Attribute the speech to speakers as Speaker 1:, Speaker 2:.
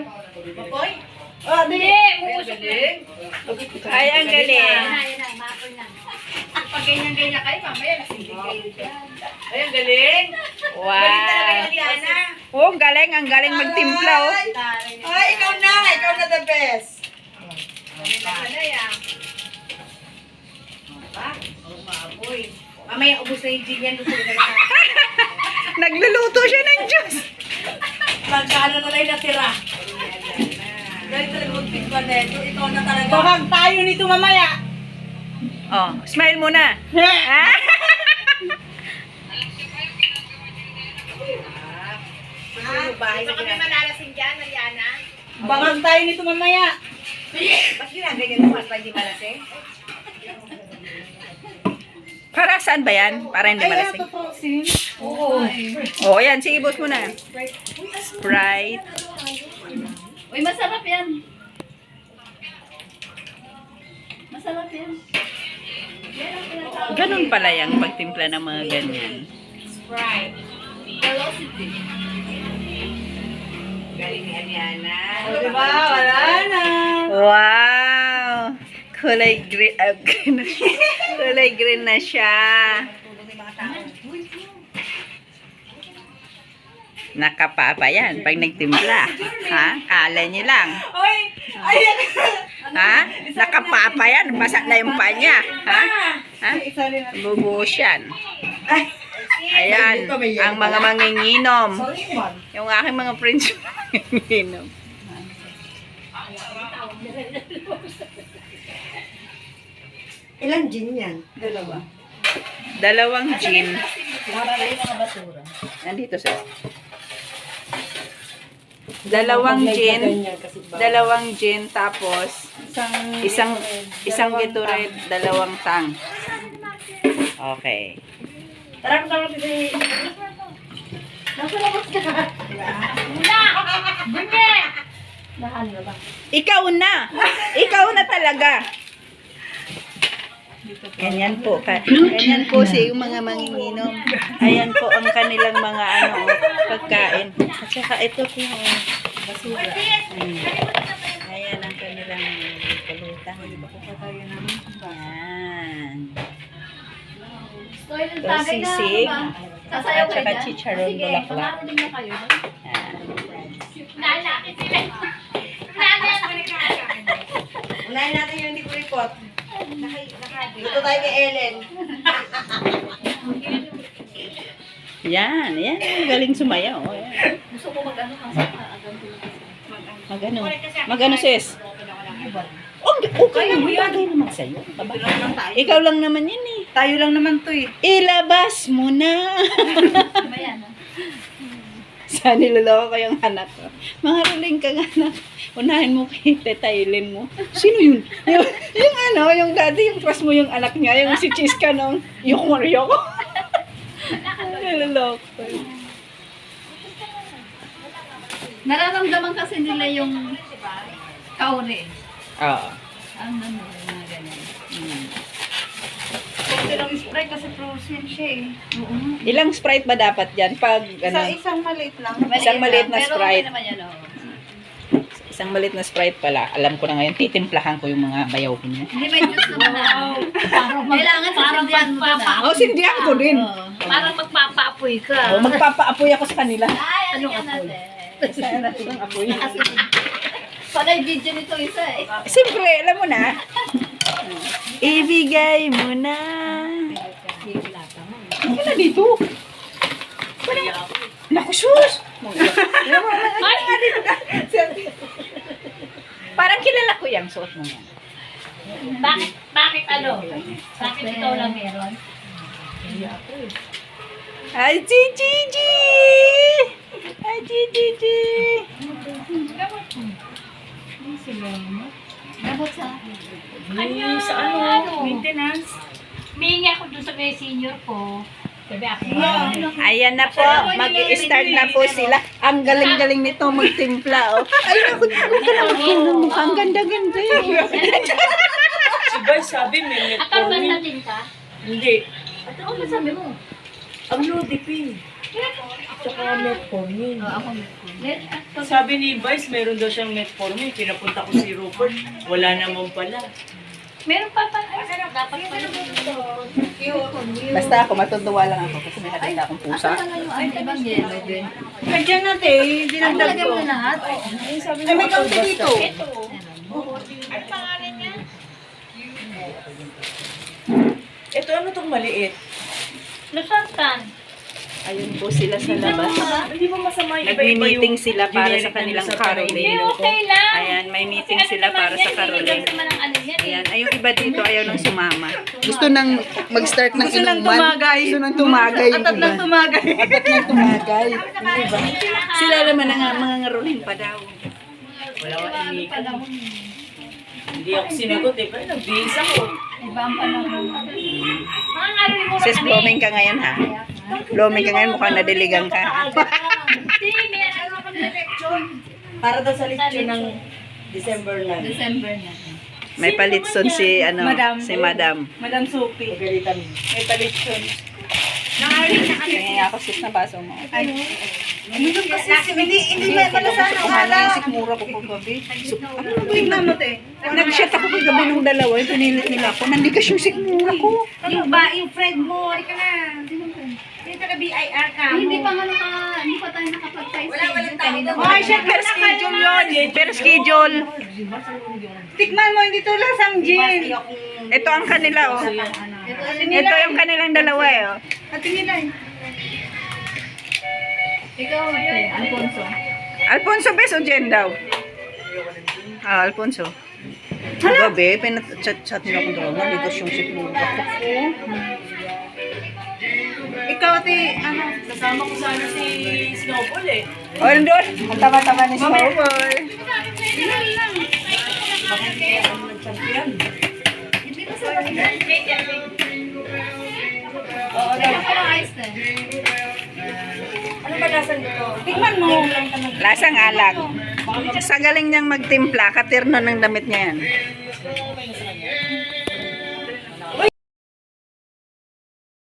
Speaker 1: Mapoy?
Speaker 2: Oh, di.
Speaker 1: Galing.
Speaker 3: Ay, ang galing.
Speaker 1: Pag ganyan-ganyan kayo, mamaya lasing kayo dyan. Ay, ang galing.
Speaker 3: Wow.
Speaker 1: Galing talaga yung Liana.
Speaker 3: Oh, ang galing. Ang galing magtimpla, oh.
Speaker 2: Ay, ikaw na. Ikaw na the best.
Speaker 1: Maapoy. Mamaya ubus na yung gin yan.
Speaker 3: Nagluluto siya ng juice.
Speaker 1: Magkano na lang natira. Dahil talaga magpigwa na ito. Ikaw na talaga.
Speaker 2: Bahag tayo nito mamaya.
Speaker 3: Oh, smile muna. Ah?
Speaker 1: Bahay na kami malalasing dyan, Liana.
Speaker 2: Bahag tayo nito mamaya.
Speaker 1: Ba't ginaganyan mo? Para hindi malasing?
Speaker 3: Para saan ba yan? Para hindi malasing.
Speaker 2: Frozen.
Speaker 1: Oo.
Speaker 3: Oh, yan. Sige, boss mo na. Sprite.
Speaker 4: Uy, masarap yan. Masarap yan.
Speaker 3: Ganun pala yung pagtimpla ng mga ganyan.
Speaker 1: Sprite.
Speaker 4: Velocity.
Speaker 1: Galing ni Liana.
Speaker 2: O, diba? Wala na.
Speaker 3: Wow! Kulay green. Kulay green na siya.
Speaker 1: Tulong yung mga tao.
Speaker 3: Nakapapa yan pag nagtimpla. Ha? Kala niyo lang.
Speaker 2: Oy! Ayan!
Speaker 3: Ha? Nakapapa yan. Basa na yung pa niya. Ha? Ha?
Speaker 2: Isa rin natin.
Speaker 3: Bubuhos yan.
Speaker 2: Ay!
Speaker 3: Ayan. Ang mga manginginom.
Speaker 2: Sorry, man.
Speaker 3: Yung aking mga friends manginginom.
Speaker 2: Ilang gin yan? Dalawa.
Speaker 3: Dalawang gin.
Speaker 4: Maraming mga basura.
Speaker 3: Nandito sa dalawang gin tapos isang Gatorade, dalawang tang. Okay.
Speaker 2: Tara, tara, kasi...
Speaker 4: Nasa labas ka. Una! Bunye! Nahan na ba?
Speaker 3: Ikaw na. Ikaw na talaga. Ganyan po. Ganyan po si yung mga manginginom. Ayan po ang kanilang mga pagkain. At saka ito po basura. Ayan ang kanilang pulutan. Ayan.
Speaker 4: Story ng
Speaker 3: Ito
Speaker 4: tagay na
Speaker 3: sisig.
Speaker 4: ba? Sasayaw
Speaker 3: At
Speaker 4: kayo
Speaker 3: saka
Speaker 4: dyan?
Speaker 3: chicharon
Speaker 4: Sige,
Speaker 3: bulaklak.
Speaker 4: pamarinig na kayo.
Speaker 3: Ayan.
Speaker 4: Lalaki sila.
Speaker 2: Unahin natin yung hindi ko report. Dito tayo kay Ellen.
Speaker 3: Yan. Yan. Galing sumayaw. Ayan.
Speaker 4: Gusto ko mag-ano kasi
Speaker 3: Magano sis? Okay naman sa'yo. Ikaw lang naman yan eh.
Speaker 2: Tayo lang naman to eh.
Speaker 3: Ilabas mo na.
Speaker 4: Mamaya na.
Speaker 3: Sa niloloko ko yung anak ko. Maharuling ka nga anak. Unahin mo kay tetailin mo. Sino yun? Yung daddy, yung crush mo yung anak niya. Yung si Chiska nung yung Mario ko. Niloloko ko.
Speaker 4: Nararamdaman kasi nila yung kauri.
Speaker 3: Oo.
Speaker 4: Ang ano, mga ganyan.
Speaker 2: Kunti lang Sprite kasi frozen siya eh.
Speaker 3: Ilang Sprite ba dapat yan? Pag,
Speaker 2: Isang maliit lang.
Speaker 3: Isang maliit na
Speaker 4: Pero
Speaker 3: Sprite.
Speaker 4: okay naman yan, oh.
Speaker 3: Isang maliit na Sprite pala. Alam ko na ngayon, titimplahan ko yung mga bayaw ko niya.
Speaker 4: Hindi may juice naman na. Kailangan sasindihan mo na.
Speaker 3: Oh, sindihan ko din.
Speaker 4: Parang magpapaapoy ka.
Speaker 3: Oh, magpapaapoy ako sa kanila.
Speaker 4: Ay, ano yan natin?
Speaker 3: Saan natin ang apoy?
Speaker 4: Panay video nito isa eh.
Speaker 3: Siyempre, alam mo na. Ibigay mo na. Ano na dito? Naku, sus! Parang kilala ko yung suot mo yan.
Speaker 4: Bakit ano? Bakit ikaw lang meron?
Speaker 3: Ay, Gigi! Ay, Gigi!
Speaker 4: Dapat sa...
Speaker 1: Ay, sa ano? Maintenance.
Speaker 4: Humingi ako dun sa may senior ko. Sabi ako,
Speaker 3: Ayan na po, mag-start na po sila. Ang galing-galing nito magtimpla, oh. Ay, naku, mukhang ganda-ganda eh.
Speaker 1: Si Bay sabi may
Speaker 4: akal ba
Speaker 1: metformin.
Speaker 4: natin ka?
Speaker 1: Hindi.
Speaker 4: At ano ba sabi mo?
Speaker 1: Ang Lodipin.
Speaker 4: Ako
Speaker 1: Tsaka metformin.
Speaker 5: Sabi ni Vice, meron daw siyang metformin. Pinapunta ko si Rupert. Wala naman pala.
Speaker 4: Meron pa pa. Dapat pa.
Speaker 3: Basta ako, matutuwa lang ako kasi may nakita akong pusa.
Speaker 4: Ay, ibang yellow din.
Speaker 2: Kaya natin, dinagdag
Speaker 4: Lagyan
Speaker 2: ko.
Speaker 4: mo lahat.
Speaker 2: Ay, may kaunti dito.
Speaker 5: Ito ano tong maliit?
Speaker 4: Lusartan.
Speaker 3: Ayun po sila sa labas.
Speaker 5: Hindi ba masama yung
Speaker 3: Nagmi-meeting sila para sa
Speaker 5: generic na
Speaker 3: kanilang
Speaker 5: Losartan na
Speaker 3: caroling.
Speaker 4: Hindi,
Speaker 5: ininom ko?
Speaker 4: okay lang.
Speaker 3: Ayan, may meeting
Speaker 4: Kasi
Speaker 3: sila
Speaker 4: ano
Speaker 3: para
Speaker 4: naman
Speaker 3: sa
Speaker 4: yan,
Speaker 3: caroling.
Speaker 4: hindi naman ang ano yan eh.
Speaker 3: Ayan, ay yung iba dito ayaw nang sumama. Gusto nang mag-start ng
Speaker 2: Gusto nang
Speaker 3: inuman.
Speaker 2: tumagay.
Speaker 3: Gusto nang tumagay yung
Speaker 2: Atat
Speaker 3: iba.
Speaker 2: lang tumagay.
Speaker 3: Atat lang tumagay. Yung iba. Sila naman ang mga ngaruling pa daw.
Speaker 5: Wala ka inikan. Hindi ako sinagot eh. Pero nagbihis ako.
Speaker 4: Iba ang panahon. Mga ngaroling mo
Speaker 3: Sis, blooming ka ngayon ha? Blooming ka ngayon, mukhang nadiligang ka.
Speaker 4: Hindi, may ano ka
Speaker 2: Para daw sa lechon ng December 9.
Speaker 4: December na.
Speaker 3: May palitson si,
Speaker 2: Madam.
Speaker 3: si Madam.
Speaker 2: Madam Sophie. Pagalitan. May palitson.
Speaker 3: Kaya ako sis na baso mo.
Speaker 2: Uminom kasi, hindi may malasan ang
Speaker 3: Kumala yung
Speaker 2: ala.
Speaker 3: sikmura ko kagabi.
Speaker 2: Tingnan mo, te.
Speaker 3: Nag-shot ako kagabi nung dalawa, yung pinilit nila ako. Nandigas yung sikmura ko.
Speaker 2: Yung friend mo, hindi ka na. Hindi ka na BIR ka.
Speaker 4: Hindi pa nga hindi pa tayo nakapag-size.
Speaker 2: Walang
Speaker 4: Kanina
Speaker 2: tao.
Speaker 4: pa.
Speaker 2: Ay, shit,
Speaker 3: Per schedule yun. Per schedule.
Speaker 2: Tikman mo, hindi to lasang gin.
Speaker 3: Ito ang kanila oh. Ito yung kanilang dalawa eh oh.
Speaker 2: Ate nila eh.
Speaker 4: Ikaw, ate, Alfonso.
Speaker 3: Alfonso bes o Jen daw? Ah, Alfonso. Gabi, pinat-chat nila akong dalawa. Nandigas yung sikmura ko.
Speaker 2: Ikaw, ate, ano?
Speaker 5: Kasama ko sana si Snowball eh.
Speaker 3: O, doon. Ang tama-tama ni Snowball.
Speaker 2: Ano ba lasan dito? Tikman mo.
Speaker 3: Lasang alak. Sa galing niyang magtimpla, katirno ng damit niya yan.